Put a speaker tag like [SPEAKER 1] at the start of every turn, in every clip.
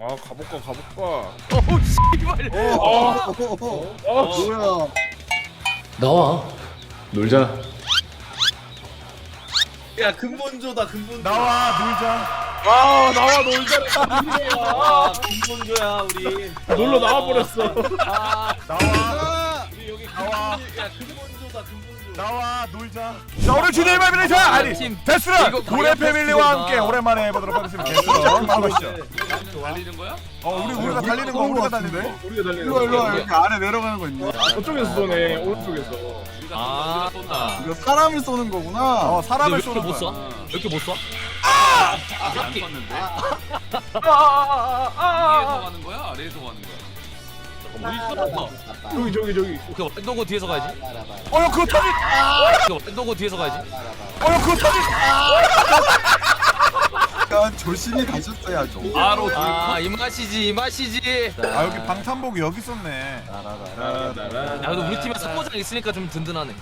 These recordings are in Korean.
[SPEAKER 1] 아 가볼까.
[SPEAKER 2] 어우 씨발.
[SPEAKER 3] 뭐야?
[SPEAKER 4] 나와.
[SPEAKER 1] 놀자.
[SPEAKER 3] 야 근본조다 근본조.
[SPEAKER 5] 나와 놀자.
[SPEAKER 1] 아 나와 놀자.
[SPEAKER 3] 아 근본조야 우리.
[SPEAKER 1] 놀러 나와 버렸어.
[SPEAKER 3] 아
[SPEAKER 5] 나와.
[SPEAKER 3] 우리 여기
[SPEAKER 5] 나와.
[SPEAKER 3] 야 근본조다 근본조.
[SPEAKER 5] 나와 놀자. 자 오늘 주제의 말이죠. 아니
[SPEAKER 4] 팀.
[SPEAKER 5] 데스런
[SPEAKER 4] 이거
[SPEAKER 5] 고래
[SPEAKER 4] 다이아
[SPEAKER 5] 패밀리와
[SPEAKER 4] 패스트구나.
[SPEAKER 5] 함께 오랜만에 해보도록 하겠습니다. 데스런 가보시죠.
[SPEAKER 2] 달리는 거야?
[SPEAKER 5] 우리가 달리는 거 우리가 달리네.
[SPEAKER 1] 우리가 달리는
[SPEAKER 6] 일로 와, 일로 와.
[SPEAKER 1] 거.
[SPEAKER 6] 이렇게 아래 내려가는 거 있네.
[SPEAKER 1] 저쪽에서 쏘네. 오른쪽에서.
[SPEAKER 2] 아 쏜다.
[SPEAKER 6] 이거 사람을 쏘는 거구나.
[SPEAKER 5] 사람을
[SPEAKER 4] 왜 이렇게
[SPEAKER 5] 쏘는
[SPEAKER 4] 못
[SPEAKER 5] 거야.
[SPEAKER 4] 쏴? 왜 이렇게 못 쏴?
[SPEAKER 2] 안 쐈는데? 위에서 가는 거야? 아래에서 가는 거야? 어디 있어?
[SPEAKER 1] 저기.
[SPEAKER 4] 오케이, 너고 뒤에서 가야지.
[SPEAKER 5] 야 그거 터지.
[SPEAKER 4] 너고 뒤에서 가야지.
[SPEAKER 5] 야 그거 터지.
[SPEAKER 6] 약간 조심히 가셨어야죠.
[SPEAKER 2] 바로
[SPEAKER 4] 아, 이 맛이지, 이 맛이지.
[SPEAKER 5] 아 여기 방탄복이 여기 있었네.
[SPEAKER 4] 야, 그래도 우리 팀에 선거장 있으니까 좀 든든하네.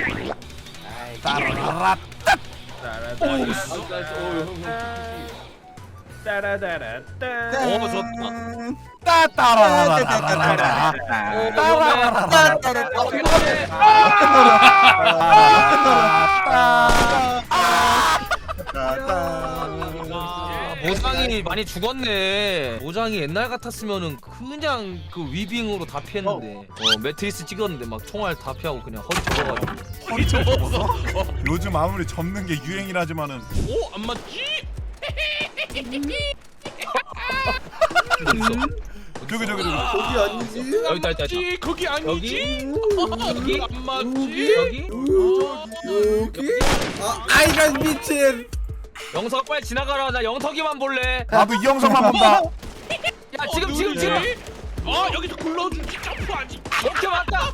[SPEAKER 5] 따라라라.
[SPEAKER 1] 따라따라따.
[SPEAKER 4] 오, 좋다.
[SPEAKER 5] 따따라라라라라.
[SPEAKER 4] 모장이 많이 죽었네. 모장이 옛날 같았으면은 그냥 그 위빙으로 다 피했는데. 매트리스 찍었는데 막 총알 다 피하고 그냥 허리 접어가지고.
[SPEAKER 5] 요즘 아무리 접는 게 유행이라지만은
[SPEAKER 2] 오! 안 맞지?
[SPEAKER 5] 저기
[SPEAKER 6] 거기 아니지?
[SPEAKER 4] 여기 있다.
[SPEAKER 2] 지 거기 아니지?
[SPEAKER 4] 여기?
[SPEAKER 2] 안 맞지?
[SPEAKER 4] 여기?
[SPEAKER 6] 여기? 아이가 미친.
[SPEAKER 4] 영석 빨리 지나가라. 나 영석이만 볼래.
[SPEAKER 5] 나도 이 영상만 본다.
[SPEAKER 4] 야, 지금.
[SPEAKER 2] 여기서 굴러주지 점프하지.
[SPEAKER 4] 오케이, 맞다.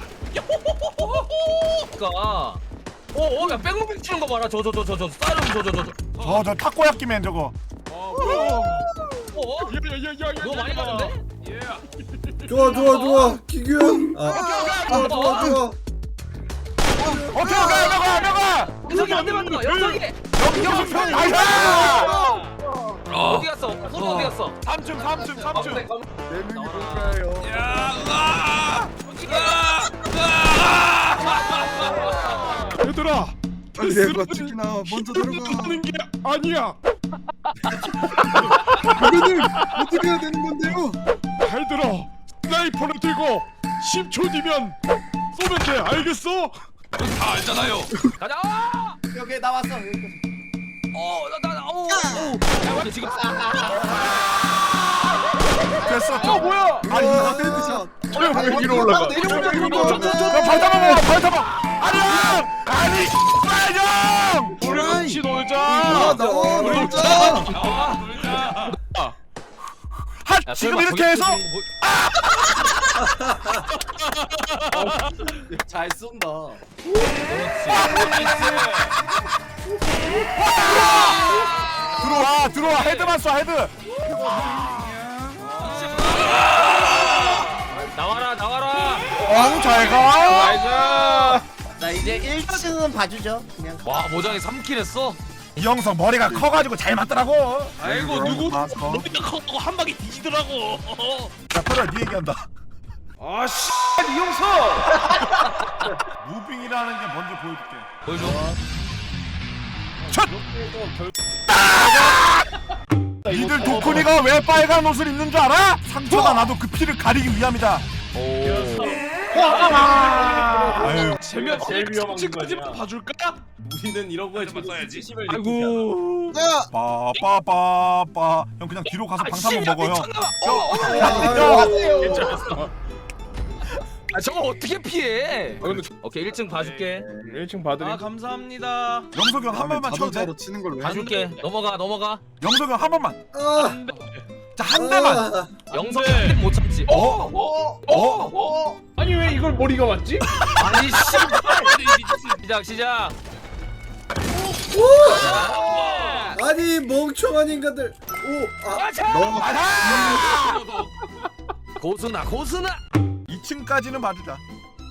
[SPEAKER 4] 그니까. 야, 백무빙 치는 거 봐라. 저.
[SPEAKER 5] 저 타코야끼맨 저거.
[SPEAKER 4] 너 많이 가는데?
[SPEAKER 6] 좋아. 기규. 좋아.
[SPEAKER 5] 오케이 명아.
[SPEAKER 4] 영석이 안 되면 영석이.
[SPEAKER 5] 영상 아이야.
[SPEAKER 4] 어디 갔어? 프로 어디 갔어?
[SPEAKER 5] 3층.
[SPEAKER 6] 네 명이 뭘까요?
[SPEAKER 1] 얘들아.
[SPEAKER 6] 빨리 내가 치킨아 먼저 들어가.
[SPEAKER 1] 하는 게 아니야.
[SPEAKER 6] 그거는 어떻게 해야 되는 건데요?
[SPEAKER 1] 잘 들어. 스나이퍼를 들고 10초 뒤면 쏘면 돼. 알겠어?
[SPEAKER 2] 다 알잖아요.
[SPEAKER 4] 가자!
[SPEAKER 3] 여기 나왔어.
[SPEAKER 4] 야, 지금
[SPEAKER 5] 됐어.
[SPEAKER 1] 뭐야?
[SPEAKER 5] 아니
[SPEAKER 6] 헤드샷.
[SPEAKER 1] 왜 위로 올라가?
[SPEAKER 5] 발 잡아. 아니 빨령.
[SPEAKER 1] 우리 같이 놀자.
[SPEAKER 6] 나와 놀자.
[SPEAKER 4] 야,
[SPEAKER 5] 지금
[SPEAKER 4] 설마
[SPEAKER 5] 이렇게 해서
[SPEAKER 3] 잘 쏜다.
[SPEAKER 5] 들어와 헤드만 쏴 헤드.
[SPEAKER 4] 나와라.
[SPEAKER 5] 잘 가.
[SPEAKER 1] 가자.
[SPEAKER 3] 자 이제 1층은 봐주죠. 그냥.
[SPEAKER 4] 와, 모장이 3킬 했어?
[SPEAKER 5] 이영석 머리가 커가지고 잘 맞더라고.
[SPEAKER 2] 아이고 누구
[SPEAKER 6] 맞어.
[SPEAKER 2] 머리가 커고 한 방에 뒤지더라고.
[SPEAKER 5] 자 그래 네 얘기한다.
[SPEAKER 1] 아 씨. 이용석.
[SPEAKER 5] 무빙이라는 게 뭔지 보여줄게.
[SPEAKER 4] 보여줘.
[SPEAKER 5] 니들 도쿠니가 왜 빨간 옷을 입는 줄 알아? 상처가 나도 그 피를 가리기 위함이다. 아유
[SPEAKER 2] 재면
[SPEAKER 1] 제일 위험한
[SPEAKER 2] 지금까지만 봐줄까?
[SPEAKER 3] 우리는 이런 거에
[SPEAKER 2] 하지만 써야지.
[SPEAKER 3] 진심을
[SPEAKER 4] 아이고.
[SPEAKER 5] 빠빠빠빠. 형 그냥 뒤로 가서 방탄복 먹어 형.
[SPEAKER 1] 괜찮았어.
[SPEAKER 4] 저거 어떻게 피해? 오케이, 1층 봐줄게.
[SPEAKER 1] 1층 봐드림.
[SPEAKER 3] 감사합니다.
[SPEAKER 5] 영석이 형 한 번만 쳐도 돼?
[SPEAKER 6] 자동차로 치는 걸 왜?
[SPEAKER 4] 봐줄게. 넘어가.
[SPEAKER 5] 영석이 형 한 번만.
[SPEAKER 6] 아,
[SPEAKER 5] 자 한 대만.
[SPEAKER 4] 영석이 한못 참지.
[SPEAKER 1] 아니 왜 이걸 머리가 맞지?
[SPEAKER 4] 아니 시작.
[SPEAKER 6] 아니 멍청한 인간들.
[SPEAKER 4] 고수나.
[SPEAKER 5] 2층까지는 봐주자.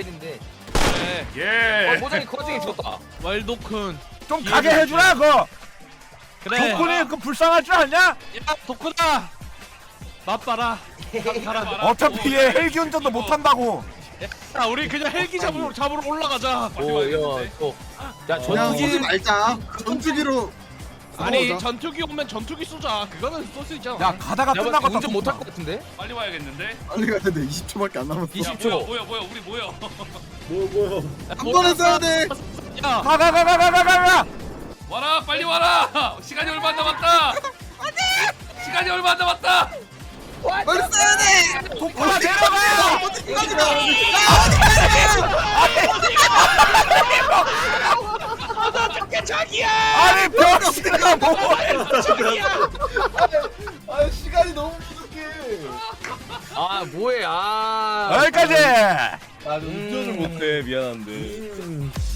[SPEAKER 4] 때린데.
[SPEAKER 5] 예.
[SPEAKER 4] 모장이 거중에 죽었다.
[SPEAKER 1] 왈도쿤
[SPEAKER 5] 좀 가게 해주라 그거.
[SPEAKER 1] 그래
[SPEAKER 5] 도쿤이 그 불쌍할 줄 아냐?
[SPEAKER 1] 야 도쿤아 맛봐라 가라
[SPEAKER 5] 어차피 얘 헬기 운전도 못한다고.
[SPEAKER 1] 야 우리 그냥 헬기 잡으러 올라가자
[SPEAKER 4] 오야 또. 야
[SPEAKER 6] 그냥 쏘지
[SPEAKER 4] 전투기
[SPEAKER 6] 말자. 전투기로.
[SPEAKER 1] 아니
[SPEAKER 6] 싸우자.
[SPEAKER 1] 전투기 오면 전투기 쏘자 그거는 쏠 수 있잖아
[SPEAKER 5] 야 가다가
[SPEAKER 4] 내가
[SPEAKER 5] 끝나고
[SPEAKER 4] 운전 못할 것 같은데?
[SPEAKER 2] 빨리 와야겠는데.
[SPEAKER 6] 빨리 가야 돼. 20초밖에 안 남았어.
[SPEAKER 4] 20초.
[SPEAKER 2] 뭐야 우리 뭐야?
[SPEAKER 3] 뭐야?
[SPEAKER 6] 한 번에 써야 돼.
[SPEAKER 1] 야
[SPEAKER 5] 가가가가가가가.
[SPEAKER 2] 와라 빨리 와라. 시간이 얼마 안 남았다. 시간이 얼마 안 남았다.
[SPEAKER 6] 빨리 써야 돼.
[SPEAKER 5] 도쿠나 내려가. 아니 병신아 뭐해?
[SPEAKER 3] 아 시간이 너무 부족해.
[SPEAKER 4] 아 뭐해 아
[SPEAKER 5] 여기까지.
[SPEAKER 6] 아 운전을 못해 미안한데.